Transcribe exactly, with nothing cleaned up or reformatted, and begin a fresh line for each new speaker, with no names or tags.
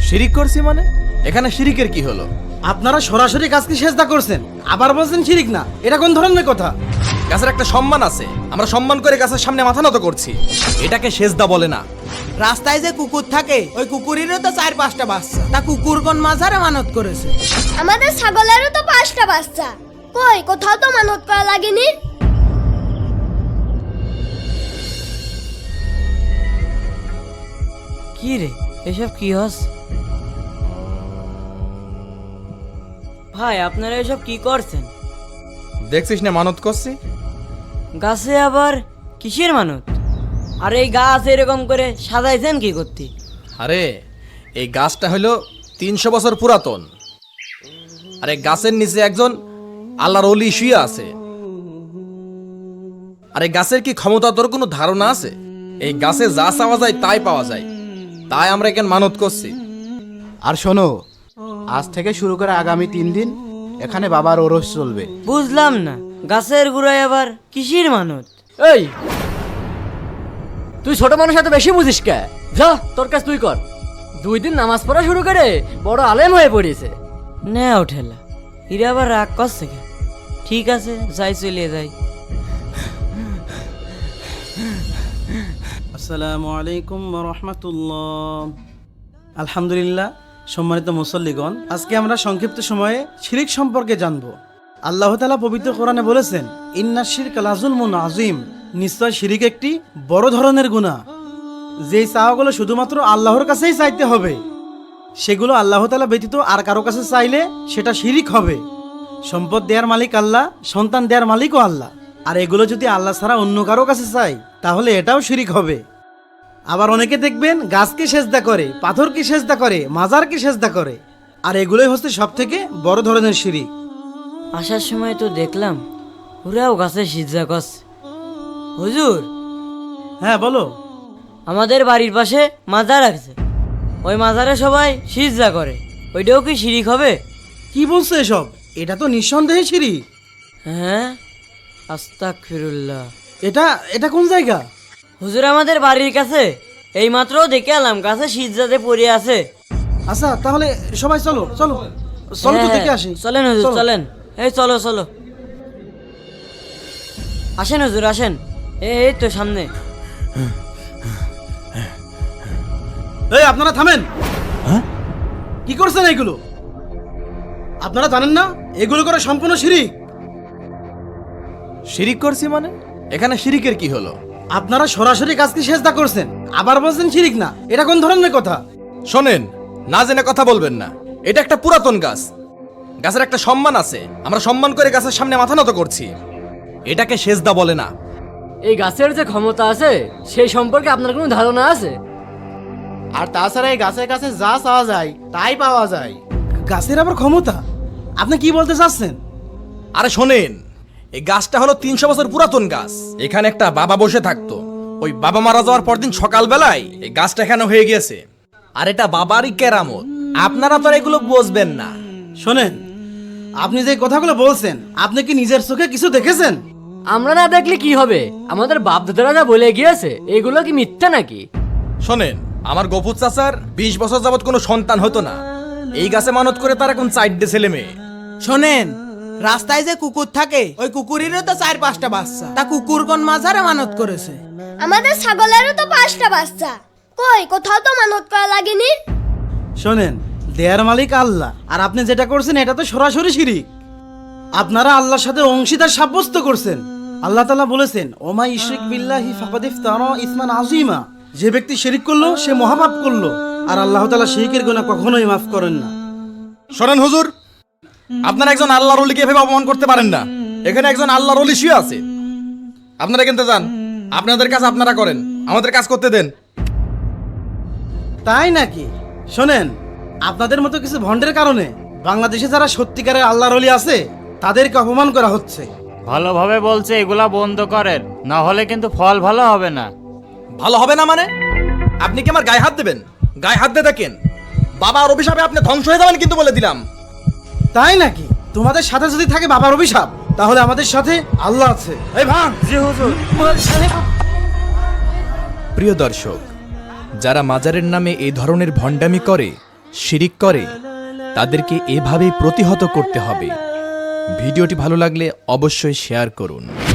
শিরিক করছি মানে? এখানে শিরিকের কি হলো?
আপনারা সরাসরি গাছকে সেজদা করছেন, আবার বলছেন শিরিক না। এটা কোন ধরনের কথা?
গাছের একটা সম্মান আছে, আমরা সম্মান করে গাছের সামনে মাথা নত করছি, এটাকে সেজদা বলে না।
রাস্তায় যে কুকুর থাকে ওই কুকুরেরও তো চার পাঁচটা বাচ্চা, তা কুকুর কোন মাঝারে মানত করেছে?
আমাদের ছাগলেরও তো পাঁচটা বাচ্চা, কই কোথাও তো মানত করা লাগেনি।
কি রে এসব কি হস? ভাই আপনারা এসব কি করছেন?
দেখছিস না মানত করছি?
গাছে আবার কিসের মানত? আর এই গাছ এরকম করে সাজাইছেন কি করতে?
আরে এই গাছটা হলো তিনশো বছর পুরাতন, আর এই গাছের নিচে একজন আল্লাহর ওলি শুয়ে আছে। আর এই গাছের কি ক্ষমতা তোর কোনো ধারণা আছে? এই গাছে যা চাওয়া যায় তাই পাওয়া যায়, তাই আমরা এখানে মানত করছি।
আর শোনো, আজ থেকে শুরু করে আগামী তিন দিন এখানে বাবার ওরস চলবে।
বুঝলাম না, গাছের গুড়ায় আবার কিসের মানত?
এই তুই ছোট মানুষ এত বেশি বুঝিস কে? যা তোর কাজ তুই কর। দুই দিন নামাজ পড়া শুরু করে বড় আলেম হয়ে পড়িয়েছে।
না ওঠেলা, এরা আবার রাগ করছে কেন? ঠিক আছে যাই, চলে যাই।
আসসালামু আলাইকুম ওয়া রাহমাতুল্লাহ। আলহামদুলিল্লাহ, সম্মানিত মুসল্লিগণ, আজকে আমরা সংক্ষিপ্ত সময়ে শিরিক সম্পর্কে জানব। আল্লাহ তাআলা পবিত্র কোরআনে বলেছেন, ইন্নাশ শিরকা লাযুলমুন আযীম, নিশ্চয় শিরিক একটি বড় ধরনের গুনাহ। যেই চাওয়াগুলো শুধুমাত্র আল্লাহর কাছেই চাইতে হবে, সেগুলো আল্লাহ তাআলা ব্যতীত আর কারো কাছে চাইলে সেটা শিরিক হবে। সম্পদ দেওয়ার মালিক আল্লাহ, সন্তান দেওয়ার মালিকও আল্লাহ, আর এগুলো যদি আল্লাহ ছাড়া অন্য কারো কাছে চাই তাহলে এটাও শিরিক হবে। আবার অনেকে দেখবেন গাছকে সেজদা করে, পাথরকে সেজদা করে, মাজারকে সেজদা করে, আর এগুলোই হচ্ছে সব থেকে বড় ধরনের শিরিক।
আসার সময় তো দেখলাম ওরাও গাছে সিজদা করছে। হুজুর,
হ্যাঁ বলো।
আমাদের বাড়ির পাশে মাজার আছে, ওই মাজারে সবাই সিজদা করে, ওইটাও কি শিরিক হবে?
কি বলছো এসব? এটা তো নিঃসন্দেহে শিরিক।
হ্যাঁ, আস্তাগফিরুল্লাহ।
এটা এটা কোন জায়গা?
হুজুর আমাদের বাড়ির কাছে, এই মাত্র দেখে এলাম গাছে সিজদাতে পড়ে আছে।
আচ্ছা তাহলে সবাই চলো চলো চলো তো
হ্যাঁ,
দেখে আসি।
চলেন হুজুর
চলো।
চলেন, এই চলো চলো, আসেন হুজুর আসেন, এই এই তো সামনে।
এই আপনারা থামেন। কি করছেন এগুলো? আপনারা জানেন না এগুলো করে সম্পূর্ণ শিরিক?
শিরিক করছি মানে? এখানে শিরিকের কি হলো?
আপনারা সরাসরি গাছকে সেজদা করছেন, আবার বলছেন শিরিক না। এটা কোন ধরনের কথা?
শোনেন, না জেনে কথা বলবেন না। এটা একটা পুরাতন গাছ, গাছের একটা সম্মান আছে, আমরা সম্মান করে গাছের সামনে মাথা নত করছি, এটাকে সেজদা বলে না।
এই গাছের যে ক্ষমতা আছে সেই সম্পর্কে আপনার কোনো ধারণা আছে?
আর তাছাড়া এই গাছের কাছে যা চাওয়া যায় তাই পাওয়া যায়। গাছের আবার ক্ষমতা? আপনি কি বলতে চাচ্ছেন?
আরে শোনেন, এই গাছটা হলো তিনশো বছর পুরাতন গাছ। এখানে একটা বাবা বসে থাকতো, ওই বাবা মারা যাওয়ার পর দিন সকালবেলায় এই গাছটা এখানে হয়ে গিয়েছে, আর এটা বাবারই কেরামত। আপনারা তো আর এগুলো বুঝবেন না।
শোনেন, আপনি যে কথাগুলো বলছেন, আপনি কি নিজের চোখে কিছু দেখেছেন?
আমরা না দেখলে কি হবে? আমাদের বাপ দাদারা যা বলে গিয়েছে এগুলো কি মিথ্যা নাকি?
শোনেন, আমার গফুর চাচার বিশ বছর যাবত কোনো সন্তান হতো না, এই গাছে মানত করে তার এখন চারটে ছেলে মেয়ে।
শোনেন, রাস্তায় যে কুকুর থাকে ওই কুকুরেরও তো চার পাঁচটা বাচ্চা, তা কুকুর কোন মাঝারে মানত করেছে?
আমাদের ছাগলেরও তো পাঁচটা বাচ্চা, কই কোথাও তো মানত করা লাগেনি।
শোনেন, দেয়ার মালিক আল্লাহ, আর আপনি যেটা করছেন এটা তো সরাসরি শিরিক। আপনারা আল্লাহর সাথে অংশীদার সাব্যস্ত করছেন। আল্লাহ তাআলা বলেছেন, ওমা ইশরিক বিল্লাহি ফাকাদ ইফতারা ইসমান আযীমা, যে ব্যক্তি শিরিক করলো সে মহাপাপ করলো, আর আল্লাহ তাআলা শিরকের গুনাহ কখনোই মাফ করেন না।
শোনেন হুজুর, আপনারা একজন আল্লাহর ওলিকে এভাবে অপমান করতে পারেন না। এখানে একজন আল্লাহর ওলি শুয়ে আছে, আপনারা কিনতে যান, আপনাদের কাজ আপনারা করেন, আমাদের কাজ করতে দেন।
তাই নাকি? শোনেন, আপনাদের মতো কিছু ভণ্ডের কারণে বাংলাদেশে যারা সত্যিকারের আল্লাহর ওলি আছে তাদেরকে অপমান করা হচ্ছে।
ভালোভাবে বলছে এগুলা বন্ধ করেন, না হলে কিন্তু ফল ভালো হবে না।
ভালো হবে না মানে? আপনি কি আমার গায়ে হাত দেবেন? গায়ে হাত দিয়ে দেখেন, বাবার অভিশাপে আপনি ধ্বংস হয়ে যাবেন কিন্তু বলে দিলাম।
তাই নাকি? তোমাদের সাথে যদি থাকে বাবার অভিশাপ, তাহলে আমাদের সাথে আল্লাহ আছে। এই ভাঙ।
জি হুজুর।
প্রিয় দর্শক, যারা মাজারের নামে এই ধরনের ভণ্ডামি করে শিরিক করে তাদেরকে এভাবেই প্রতিহত করতে হবে। ভিডিওটি ভালো লাগলে অবশ্যই শেয়ার করুন।